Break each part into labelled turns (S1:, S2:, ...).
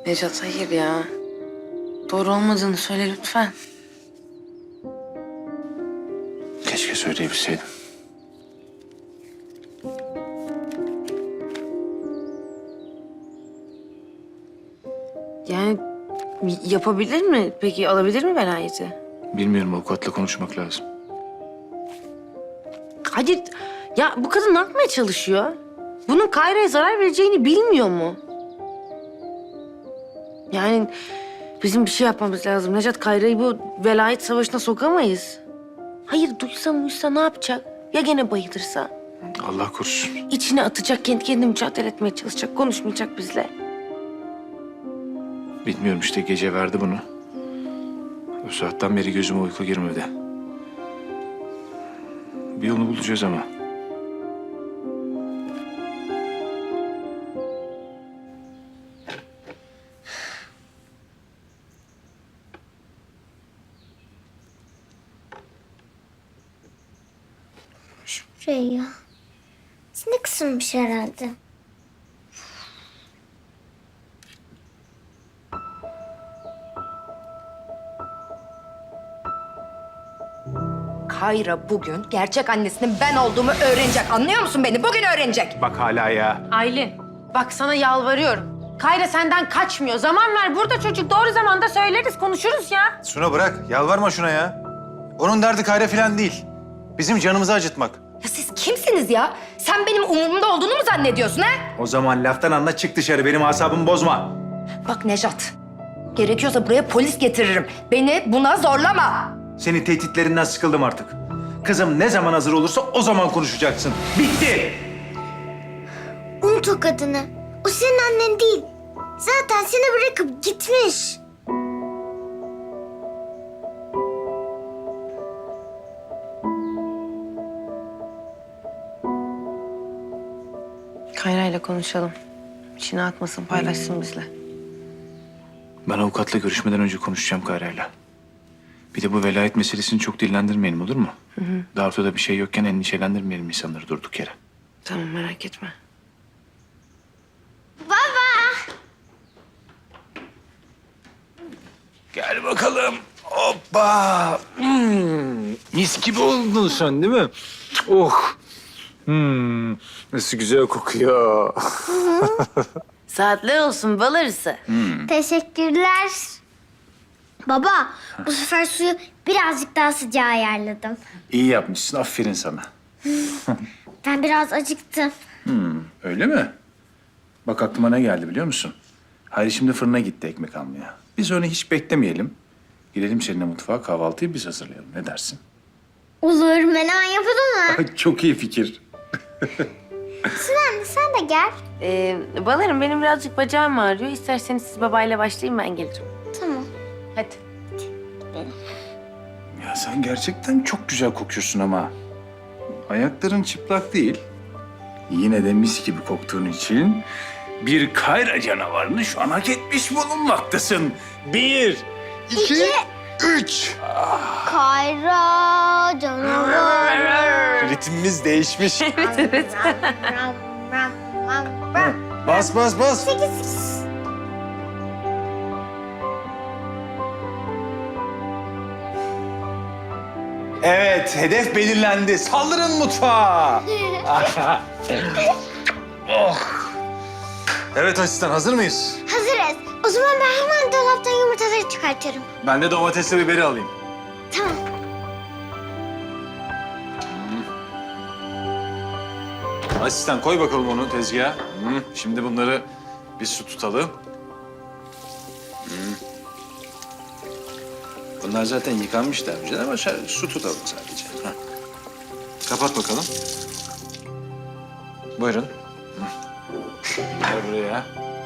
S1: Necat hayır ya. Doğru olmadığını söyle lütfen.
S2: Keşke söyleyebilseydim.
S1: Yani yapabilir mi? Peki alabilir mi velayeti?
S2: Bilmiyorum, avukatla konuşmak lazım.
S1: Hadi ya bu kadın ne yapmaya çalışıyor? Bunun Kayra'ya zarar vereceğini bilmiyor mu? Yani bizim bir şey yapmamız lazım. Necat, Kayra'yı bu velayet savaşına sokamayız. Hayır, duysa ne yapacak? Ya gene bayılırsa?
S2: Allah korusun.
S1: İçine atacak, kendi kendine mücadele etmeye çalışacak, konuşmayacak bizle.
S2: Bilmiyorum işte, gece verdi bunu. O saatten beri gözüme uyku girmedi. Bir yolunu bulacağız ama.
S3: Şuraya. Sinek ısırmış herhalde.
S4: Kayra bugün gerçek annesinin ben olduğumu öğrenecek. Anlıyor musun beni? Bugün öğrenecek.
S2: Bak hala ya.
S1: Aylin, bak sana yalvarıyorum. Kayra senden kaçmıyor. Zaman ver. Burada çocuk, doğru zamanda söyleriz, konuşuruz ya.
S5: Suna bırak. Yalvarma şuna ya. Onun derdi Kayra falan değil. Bizim canımızı acıtmak.
S4: Ya siz kimsiniz ya? Sen benim umurumda olduğunu mu zannediyorsun ha?
S5: O zaman laftan anla, çık dışarı. Benim asabımı bozma.
S4: Bak Nejat, gerekiyorsa buraya polis getiririm. Beni buna zorlama.
S5: Senin tehditlerinden sıkıldım artık. Kızım ne zaman hazır olursa o zaman konuşacaksın. Bitti.
S3: Unut o kadını. O senin annen değil. Zaten seni bırakıp gitmiş.
S1: Kayra'yla konuşalım. İçine atmasın, paylaşsın bizle.
S2: Ben avukatla görüşmeden önce konuşacağım Kayra'yla. Bir de bu velayet meselesini çok dillendirmeyelim, olur mu? Daha ortada bir şey yokken endişelendirmeyelim insanları durduk yere.
S1: Tamam, merak etme.
S2: Gel bakalım. Hoppa. Mis gibi oldun sen değil mi? Oh. Nasıl güzel kokuyor.
S1: Saatler olsun bal arısı.
S3: Teşekkürler. Baba, bu sefer suyu birazcık daha sıcağı ayarladım.
S2: İyi yapmışsın, aferin sana.
S3: Ben biraz acıktım.
S2: Öyle mi? Bak aklıma ne geldi biliyor musun? Hayri şimdi fırına gitti ekmek almaya. Biz onu hiç beklemeyelim. Gidelim seninle mutfağa, kahvaltıyı biz hazırlayalım. Ne dersin?
S3: Olur, menemen yapalım mı?
S2: Çok iyi fikir.
S3: Sinan, sen de gel.
S1: Balarım, benim birazcık bacağım ağrıyor. İsterseniz siz babayla başlayın, ben gelirim.
S3: Tamam.
S1: Hadi.
S2: Ya sen gerçekten çok güzel kokuyorsun ama. Ayakların çıplak değil. Yine de mis gibi koktuğun için bir Kayra canavarını şu an hak etmiş bulunmaktasın. 1, 2, 3.
S3: Kayra canavar.
S5: Ritmimiz değişmiş.
S1: Evet.
S5: Bas bas bas. Evet, hedef belirlendi. Saldırın mutfağa. Evet asistan, hazır mıyız?
S3: Hazırız. O zaman ben hemen dolaptan yumurtaları çıkartıyorum.
S5: Ben de domatesle biberi alayım.
S3: Tamam.
S5: Asistan koy bakalım onu tezgaha. Şimdi bunları bir su tutalım. Bunlar zaten yıkanmış daha önceden ama su tutalım sadece. Heh. Kapat bakalım. Buyurun. Gel buraya.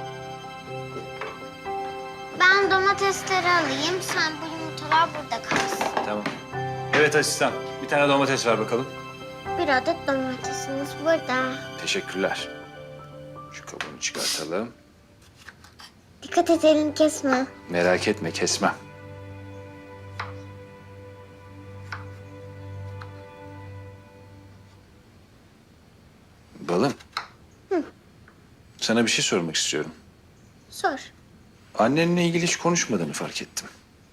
S3: Ben domatesleri alayım. Sen bu yumurtalar burada kalsın.
S5: Tamam. Evet asistan. Bir tane domates ver bakalım.
S3: Bir adet domatesimiz burada.
S5: Teşekkürler. Şu kabuğunu çıkartalım.
S3: Dikkat et, elini kesme.
S2: Merak etme, kesmem. Balım. Sana bir şey sormak istiyorum.
S3: Sor.
S2: annenle ilgili hiç konuşmadığını fark ettim.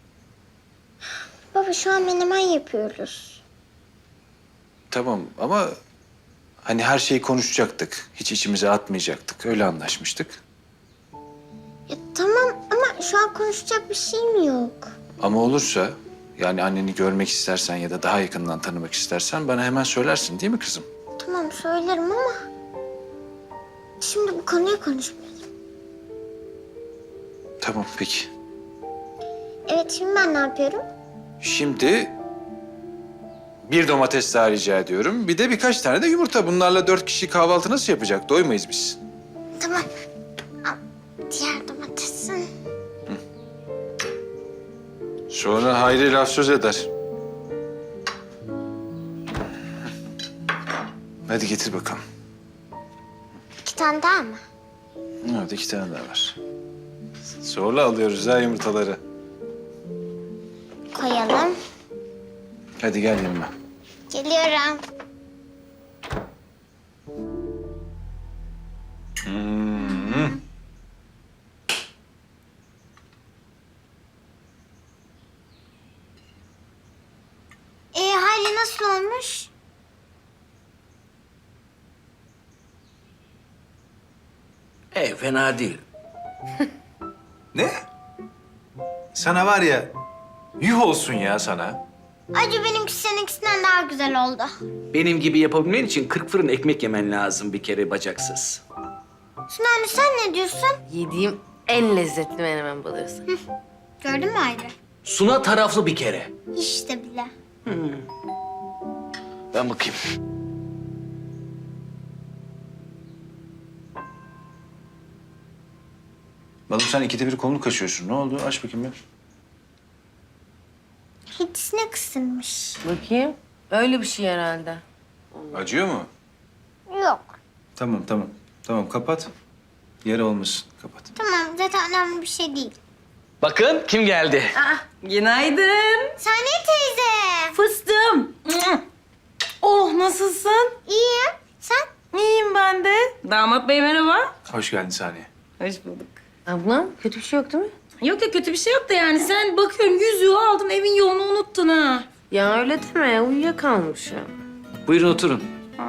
S3: Baba şu an menemen yapıyoruz.
S2: Tamam ama hani her şeyi konuşacaktık. Hiç içimize atmayacaktık. Öyle anlaşmıştık.
S3: Ya tamam ama şu an konuşacak bir şeyim yok.
S2: Ama olursa yani anneni görmek istersen ya da daha yakından tanımak istersen bana hemen söylersin değil mi kızım?
S3: Tamam söylerim ama şimdi bu konuyu konuşmayalım.
S2: Tamam peki.
S3: Evet şimdi ben ne yapıyorum?
S2: Şimdi bir domates daha rica ediyorum. Bir de birkaç tane de yumurta. Bunlarla 4 kişi kahvaltı nasıl yapacak? Doymayız biz.
S3: Tamam. Al diğer domatesin.
S2: Sonra Hayri laf söz eder. Hadi getir bakalım.
S3: 2 tane daha mı?
S2: Evet 2 tane daha var. Zorla alıyoruz ha yumurtaları.
S3: Koyalım.
S2: Hadi gel yanıma.
S3: Geliyorum. Hali nasıl olmuş?
S6: Fena değil.
S2: Ne? Sana var ya, yuh olsun ya sana.
S3: Acı benimki seninkisinden daha güzel oldu.
S6: Benim gibi yapabilmen için 40 fırın ekmek yemen lazım bir kere bacaksız.
S3: Suna anne sen ne diyorsun?
S1: Yediğim en lezzetli menemen balıyorsun.
S3: Gördün mü Hayri?
S6: Suna taraflı bir kere.
S3: İşte bile.
S6: Ben bakayım.
S2: Balım sen ikide bir kolunu kaşıyorsun. Ne oldu? Aç bakayım bir.
S3: Hiç sinek ısırmış.
S1: Bakayım. Öyle bir şey herhalde.
S2: Acıyor mu?
S3: Yok.
S2: Tamam tamam. Tamam kapat. Yara olmasın. Kapat.
S3: Tamam zaten önemli bir şey değil.
S6: Bakın kim geldi.
S7: Günaydın.
S3: Saniye teyze.
S7: Fıstığım. Oh nasılsın?
S3: İyiyim. Sen?
S7: İyiyim ben de. Damat bey merhaba.
S2: Hoş geldin Saniye.
S7: Hoş bulduk.
S1: Ablam kötü bir şey yok değil mi?
S7: Yok ya kötü bir şey yok da yani sen bakıyorum yüzüğü aldın evin yolunu unuttun ha.
S1: Ya öyle deme. Uyuyakalmışım.
S6: Buyurun oturun.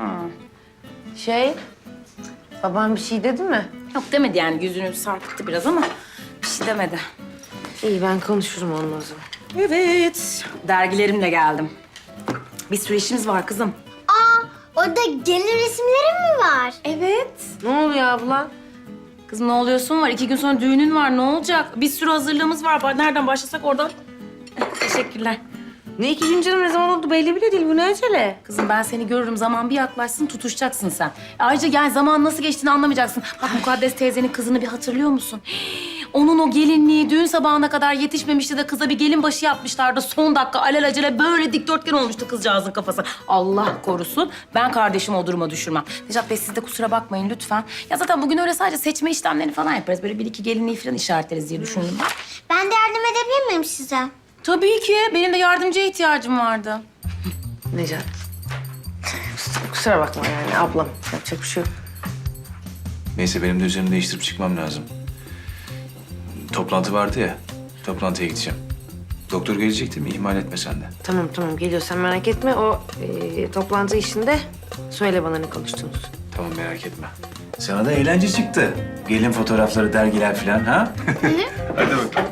S1: Babam bir şey dedi mi?
S7: Yok demedi yani yüzünü sarkıttı biraz ama bir şey demedi.
S1: İyi ben konuşurum onunla o zaman.
S7: Evet. Dergilerimle geldim. Bir sürü işimiz var kızım.
S3: Aa orada gelin resimleri mi var?
S7: Evet.
S1: Ne oluyor abla?
S7: Kızım ne oluyorsun var? 2 gün sonra düğünün var. Ne olacak? Bir sürü hazırlığımız var. Nereden başlasak oradan. Teşekkürler.
S1: Ne 2 gün canım ne zaman oldu belli bile değil. Bu ne acele?
S7: Kızım ben seni görürüm. Zaman bir yaklaşsın tutuşacaksın sen. Ayrıca yani zaman nasıl geçtiğini anlamayacaksın. Bak Mukaddes teyzenin kızını bir hatırlıyor musun? Onun o gelinliği düğün sabahına kadar yetişmemişti de kıza bir gelin başı yapmışlardı. Son dakika alelacele böyle dikdörtgen olmuştu kızcağızın kafası. Allah korusun. Ben kardeşimi o duruma düşürmem. Necat Bey siz de kusura bakmayın lütfen. Ya zaten bugün öyle sadece seçme işlemlerini falan yaparız. Böyle bir iki gelinliği falan işaretleriz diye düşündüm ben.
S3: Ben de yardım edebilir miyim size?
S7: Tabii ki. Benim de yardımcıya ihtiyacım vardı.
S1: Necat. Kusura bakma yani ablam. Yapacak bir şey yok.
S2: Neyse benim de üzerimi değiştirip çıkmam lazım. Toplantı vardı ya. Toplantıya gideceğim. Doktor gelecek değil mi? İhmal etme sen de.
S1: Tamam geliyor sen merak etme. O toplantı işinde söyle bana ne konuştunuz.
S2: Tamam merak etme. Sana da eğlence çıktı. Gelin fotoğrafları, dergiler falan ha? Hadi bakalım.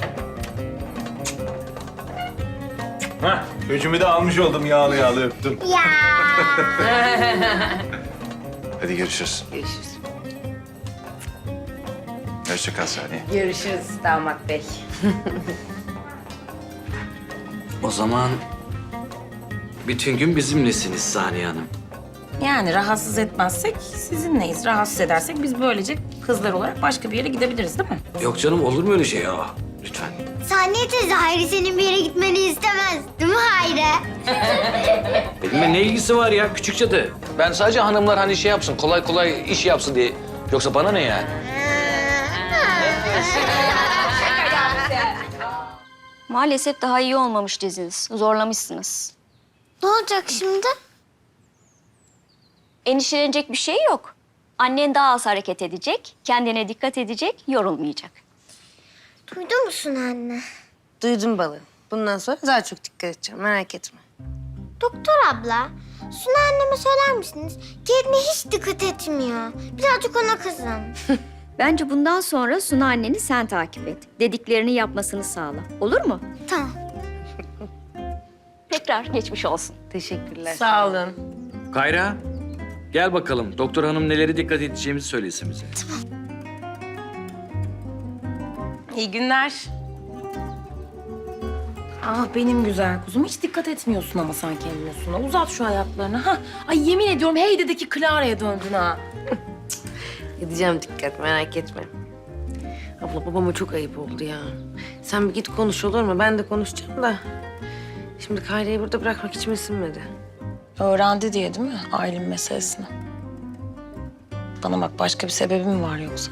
S2: Hah, üçümü de almış oldum yağlı yağlı öptüm.
S3: Ya.
S2: Hadi görüşürüz.
S1: Görüşürüz.
S2: Hoşça kal Saniye.
S7: Görüşürüz damat bey.
S6: O zaman bütün gün bizimlesiniz Saniye Hanım.
S7: Yani rahatsız etmezsek sizinleyiz. Rahatsız edersek biz böylece kızlar olarak başka bir yere gidebiliriz değil mi?
S6: Yok canım olur mu öyle şey ya? Lütfen.
S3: Saniye teyze Hayri senin bir yere gitmeni istemez. Değil mi Hayri?
S6: Benimle ne ilgisi var ya küçük cadı? Ben sadece hanımlar hani şey yapsın, kolay kolay iş yapsın diye. Yoksa bana ne yani?
S8: Maalesef daha iyi olmamış diziniz. Zorlamışsınız.
S3: Ne olacak şimdi?
S8: Endişelenecek bir şey yok. Annen daha az hareket edecek, kendine dikkat edecek, yorulmayacak.
S3: Duydun musun anne?
S1: Duydum balım. Bundan sonra daha çok dikkat edeceğim, merak etme.
S3: Doktor abla, Suna anneme söyler misiniz? Kendine hiç dikkat etmiyor. Birazcık ona kızın.
S8: Bence bundan sonra Suna anneni sen takip et. Dediklerini yapmasını sağla. Olur mu?
S3: Tamam.
S8: Tekrar geçmiş olsun.
S1: Teşekkürler.
S7: Sağ olun.
S6: Kayra, gel bakalım. Doktor hanım neleri dikkat edeceğimizi söylesin bize.
S7: İyi günler. Ah benim güzel kuzum. Hiç dikkat etmiyorsun ama sen kendine Suna. Uzat şu ayaklarını. Ha. Ay yemin ediyorum Heyde'deki Clara'ya döndün ha.
S1: Edeceğim dikkat, merak etme. Abla babama çok ayıp oldu ya. Sen bir git konuş olur mu? Ben de konuşacağım da. Şimdi Kayra'yı burada bırakmak içime sinmedi.
S7: Öğrendi diye değil mi Aylin meselesini? Bana bak başka bir sebebi mi var yoksa?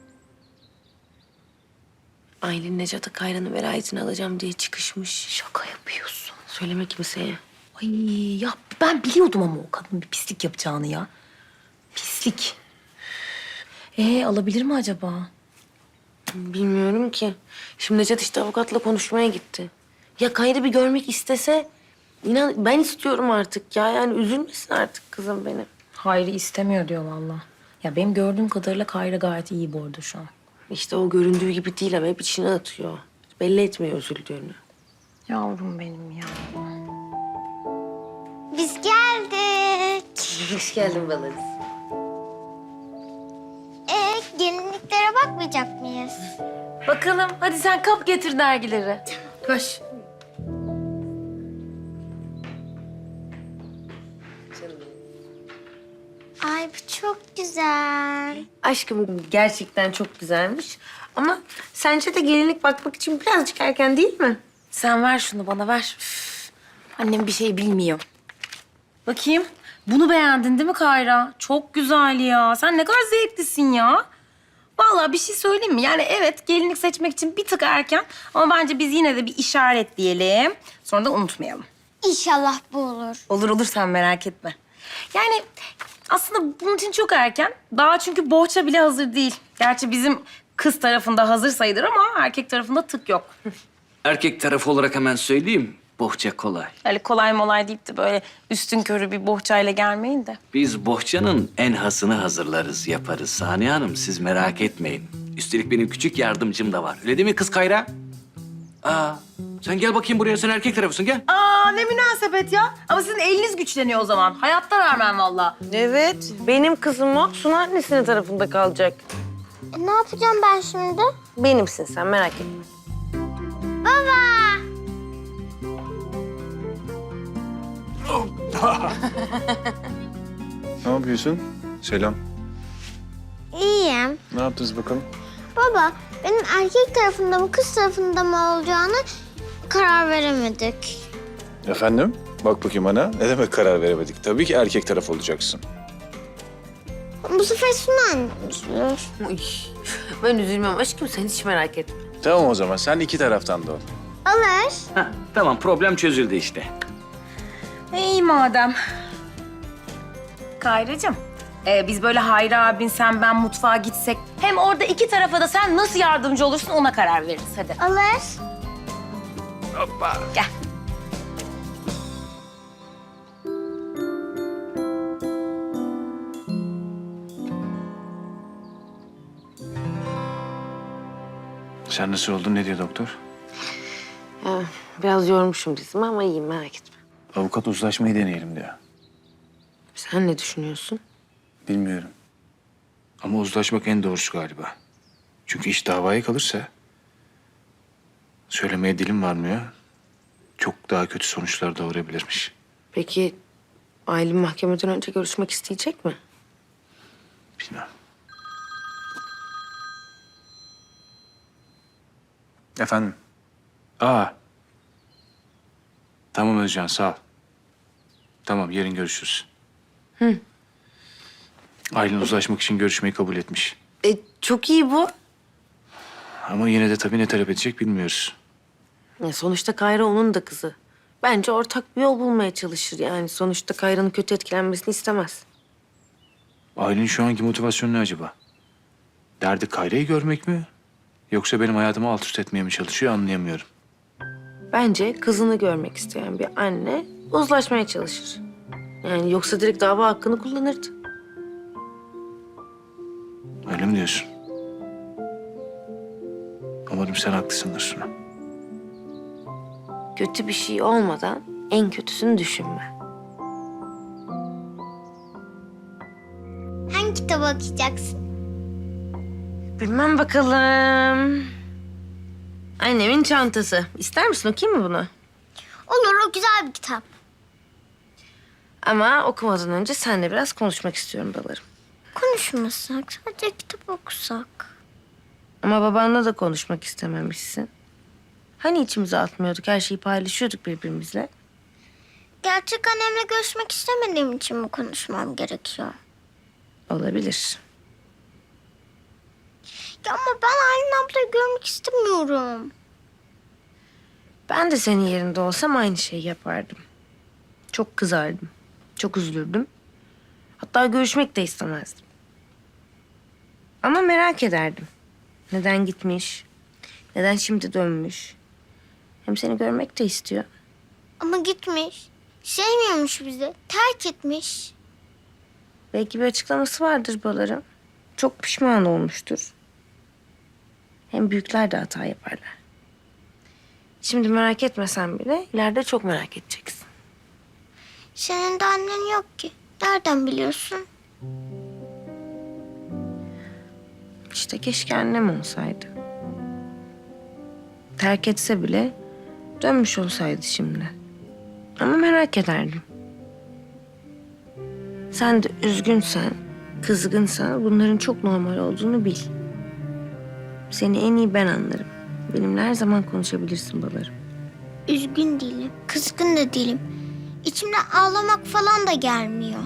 S1: Aylin Necat'a Kayra'nın velayetini alacağım diye çıkışmış. Şaka yapıyorsun. Söyleme kimseye.
S7: Ay ya ben biliyordum ama o kadının bir pislik yapacağını ya. Pislik. Alabilir mi acaba?
S1: Bilmiyorum ki. Şimdi Necat işte avukatla konuşmaya gitti. Ya Kayra bir görmek istese... inan ben istiyorum artık ya. Yani üzülmesin artık kızım benim.
S7: Hayri istemiyor diyor vallahi. Ya benim gördüğüm kadarıyla Kayra gayet iyi bu arada şu an.
S1: İşte o göründüğü gibi değil ama hep içine atıyor. Belli etmiyor üzüldüğünü.
S7: Yavrum benim ya.
S3: Biz geldik.
S1: Hoş geldin Balarız.
S3: Gelinliklere bakmayacak mıyız?
S7: Bakalım hadi sen kap getir dergileri. Koş.
S3: Ay bu çok güzel.
S1: Aşkım gerçekten çok güzelmiş. Ama sence de gelinlik bakmak için birazcık erken değil mi?
S7: Sen ver şunu bana ver. Üf, annem bir şey bilmiyor. Bakayım. Bunu beğendin değil mi Kayra? Çok güzel ya. Sen ne kadar zevklisin ya. Vallahi bir şey söyleyeyim mi? Yani evet gelinlik seçmek için bir tık erken ama bence biz yine de bir işaret diyelim. Sonra da unutmayalım.
S3: İnşallah bu olur.
S7: Olur olur sen merak etme. Yani aslında bunun için çok erken. Daha çünkü bohça bile hazır değil. Gerçi bizim kız tarafında hazır sayılır ama erkek tarafında tık yok.
S6: Erkek tarafı olarak hemen söyleyeyim. Bohça kolay.
S7: Öyle kolay molay deyip de böyle üstün körü bir bohçayla gelmeyin de.
S6: Biz bohçanın en hasını hazırlarız, yaparız. Saniye Hanım siz merak etmeyin. Üstelik benim küçük yardımcım da var. Öyle değil mi kız Kayra? Sen gel bakayım buraya. Sen erkek tarafısın gel.
S7: Aa ne münasebet ya. Ama sizin eliniz güçleniyor o zaman. Hayatta vermem vallahi.
S1: Evet. Benim kızım o. Suna annesinin tarafında kalacak.
S3: Ne yapacağım ben şimdi?
S1: Benimsin sen merak etme.
S3: Baba!
S2: Ne yapıyorsun? Selam.
S3: İyiyim.
S2: Ne yaptınız bakalım?
S3: Baba, benim erkek tarafında mı kız tarafında mı olacağını karar veremedik.
S2: Efendim? Bak bakayım bana. Ne demek karar veremedik? Tabii ki erkek taraf olacaksın.
S3: Bu sefer Suna annem üzülür.
S1: Uy, ben üzülmem aşkım sen hiç merak etme.
S2: Tamam o zaman. Sen iki taraftan da ol.
S3: Olur.
S6: Heh, tamam problem çözüldü işte.
S7: İyi madem. Kayracığım, biz böyle Hayri abin, sen, ben mutfağa gitsek... hem orada iki tarafa da sen nasıl yardımcı olursun ona karar veririz. Hadi.
S3: Olur.
S7: Gel.
S2: Sen nasıl oldun? Ne diyor doktor?
S1: Ya, biraz yormuşum dizimi ama iyiyim merak etme.
S2: Avukat uzlaşmayı deneyelim diyor.
S1: Sen ne düşünüyorsun?
S2: Bilmiyorum. Ama uzlaşmak en doğrusu galiba. Çünkü iş davaya kalırsa... söylemeye dilim varmıyor. Çok daha kötü sonuçlar doğurabilirmiş.
S1: Peki Aylin mahkemeden önce görüşmek isteyecek mi?
S2: Bilmem. Efendim? Tamam Özcan, sağ ol. Tamam, yarın görüşürüz. Aylin uzlaşmak için görüşmeyi kabul etmiş.
S1: Çok iyi bu.
S2: Ama yine de tabii ne talep edecek bilmiyoruz.
S1: Ya sonuçta Kayra onun da kızı. Bence ortak bir yol bulmaya çalışır yani. Sonuçta Kayra'nın kötü etkilenmesini istemez.
S2: Aylin şu anki motivasyonu ne acaba? Derdi Kayra'yı görmek mi? Yoksa benim hayatımı alt üst etmeye mi çalışıyor anlayamıyorum.
S1: Bence kızını görmek isteyen bir anne uzlaşmaya çalışır. Yani yoksa direkt dava hakkını kullanırdı.
S2: Öyle mi diyorsun? Umarım sen haklısındır Suna.
S1: Kötü bir şey olmadan en kötüsünü düşünme.
S3: Hangi kitaba okuyacaksın?
S1: Bilmem bakalım. Annemin çantası. İster misin, okuyayım mı bunu?
S3: Olur, o güzel bir kitap.
S1: Ama okumadan önce seninle biraz konuşmak istiyorum balarım.
S3: Konuşmasak, sadece kitap okusak.
S1: Ama babanla da konuşmak istememişsin. Hani içimize atmıyorduk, her şeyi paylaşıyorduk birbirimizle.
S3: Gerçek annemle görüşmek istemediğim için mi konuşmam gerekiyor?
S1: Olabilir.
S3: Ya ama ben Aylin ablayı görmek istemiyorum.
S1: Ben de senin yerinde olsam aynı şeyi yapardım. Çok kızardım. Çok üzülürdüm. Hatta görüşmek de istemezdim. Ama merak ederdim. Neden gitmiş? Neden şimdi dönmüş? Hem seni görmek de istiyor.
S3: Ama gitmiş. Sevmiyormuş bizi. Terk etmiş.
S1: Belki bir açıklaması vardır balarım. Çok pişman olmuştur. Hem büyükler de hata yaparlar. Şimdi merak etmesen bile ileride çok merak edeceksin.
S3: Senin de annen yok ki. Nereden biliyorsun?
S1: İşte keşke annem olsaydı. Terk etse bile dönmüş olsaydı şimdi. Ama merak ederdim. Sen de üzgünsen, kızgınsan bunların çok normal olduğunu bil. Seni en iyi ben anlarım. Benimle her zaman konuşabilirsin balarım.
S3: Üzgün değilim. Kızgın da değilim. İçimden ağlamak falan da gelmiyor.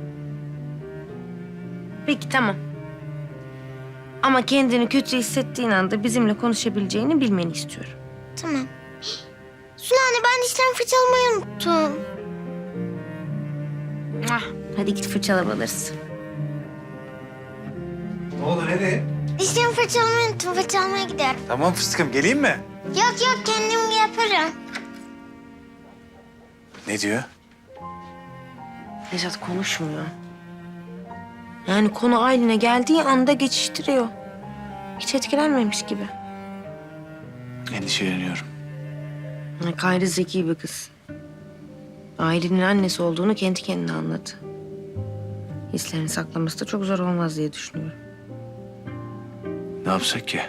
S1: Peki tamam. Ama kendini kötü hissettiğin anda bizimle konuşabileceğini bilmeni istiyorum.
S3: Tamam. Suna anne, ben dişlerimi fırçalamayı unuttum.
S1: Hadi git fırçala balarız.
S5: Ne oldu nereye?
S3: Dişlerimi fırçalamayı unuttum. Fırçalamaya gidiyorum.
S5: Tamam fıstıkım geleyim mi?
S3: Yok yok, kendim yaparım.
S5: Ne diyor?
S1: Nejat konuşmuyor. Yani konu Aylin'e geldiği anda geçiştiriyor. Hiç etkilenmemiş gibi.
S2: Endişeleniyorum.
S1: Yani Kayra zeki bir kız. Aylin'in annesi olduğunu kendi kendine anladı. Hislerini saklaması da çok zor olmaz diye düşünüyorum.
S2: Ne yapsak ki?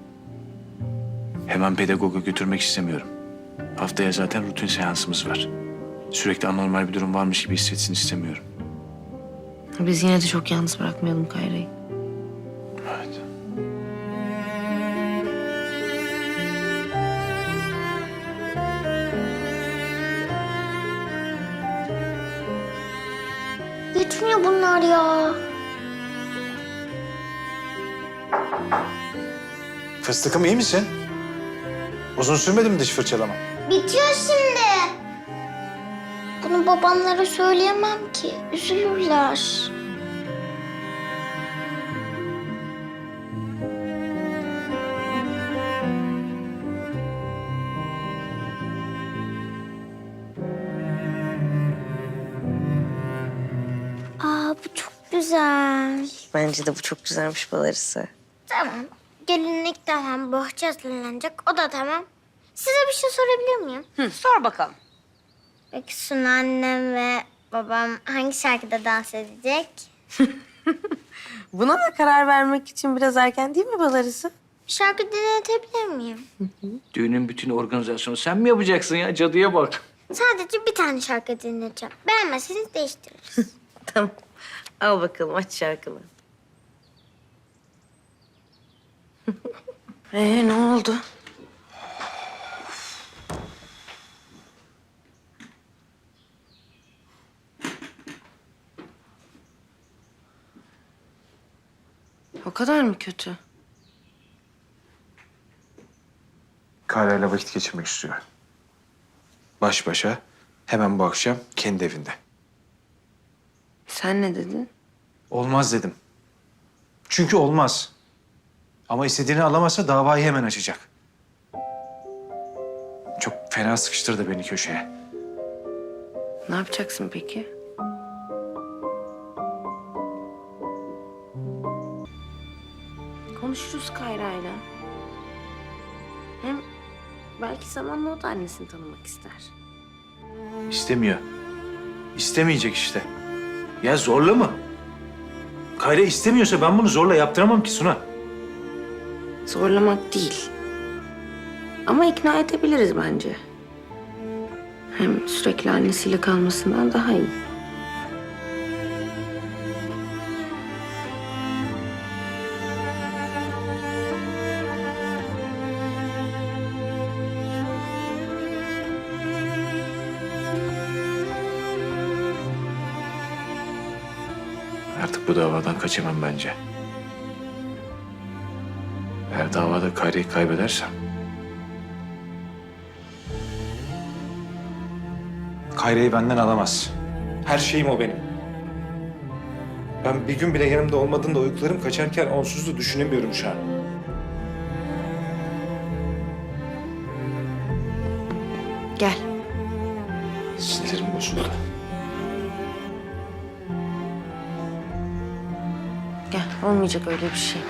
S2: Hemen pedagoga götürmek istemiyorum. Haftaya zaten rutin seansımız var. Sürekli anormal bir durum varmış gibi hissetsin istemiyorum.
S1: Biz yine de çok yalnız bırakmayalım Kayra'yı.
S2: Evet.
S3: Gitmiyor bunlar ya.
S5: Fıstıkım iyi misin? Uzun sürmedi mi diş fırçalama?
S3: Bitiyor şimdi. Bunu babamlara söyleyemem ki. Üzülürler. Aa, bu çok güzel.
S1: Bence de bu çok güzelmiş balarısı.
S3: Tamam. Gelinlik tamam, bohça hazırlanacak. O da tamam. Size bir şey sorabilir miyim?
S1: Sor bakalım.
S3: Peki Suna annem ve babam hangi şarkıda dans edecek?
S1: Buna da karar vermek için biraz erken değil mi balarısı?
S3: Bir şarkı dinletebilir miyim?
S6: Düğünün bütün organizasyonu sen mi yapacaksın ya? Cadıya bak.
S3: Sadece bir tane şarkı dinleyeceğim. Beğenmezseniz değiştiririz.
S1: Tamam. Al bakalım aç şarkını. Ne oldu? O kadar mı kötü?
S5: Kayra'yla vakit geçirmek istiyor. Baş başa hemen bu akşam kendi evinde.
S1: Sen ne dedin?
S5: Olmaz dedim. Çünkü olmaz. Ama istediğini alamazsa davayı hemen açacak. Çok fena sıkıştırdı beni köşeye.
S1: Ne yapacaksın peki? Konuşuruz Kayra'yla. Hem belki zamanla o da annesini tanımak ister.
S5: İstemiyor. İstemeyecek işte. Ya zorla mı? Kayra istemiyorsa ben bunu zorla yaptıramam ki Suna.
S1: Zorlamak değil. Ama ikna edebiliriz bence. Hem sürekli annesiyle kalmasından daha iyi.
S5: Artık bu davadan kaçamam bence. Eğer davada Kayra'yı kaybedersem... Kayra'yı benden alamaz. Her şeyim o benim. Ben bir gün bile yanımda olmadığında uykularım kaçarken onsuz da düşünemiyorum şu an.
S1: Gel.
S5: Sinirlerim bozuldu.
S1: Gel. Olmayacak öyle bir şey.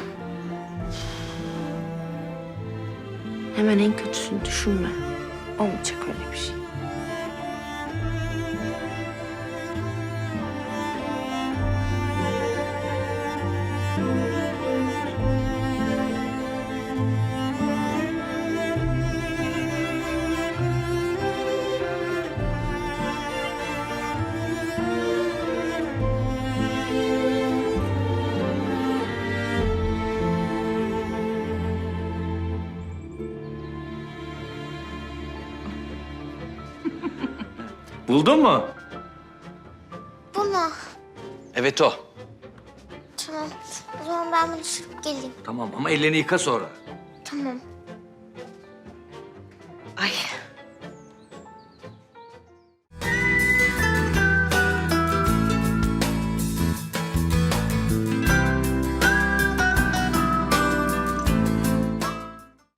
S1: Hemen en kötüsünü düşünme. Olmayacak öyle bir şey.
S5: Buldun mu?
S3: Bunu.
S6: Evet o.
S3: Tamam. O zaman ben bunu sürüp geleyim.
S6: Tamam ama ellerini yıka sonra.
S3: Tamam.
S1: Ay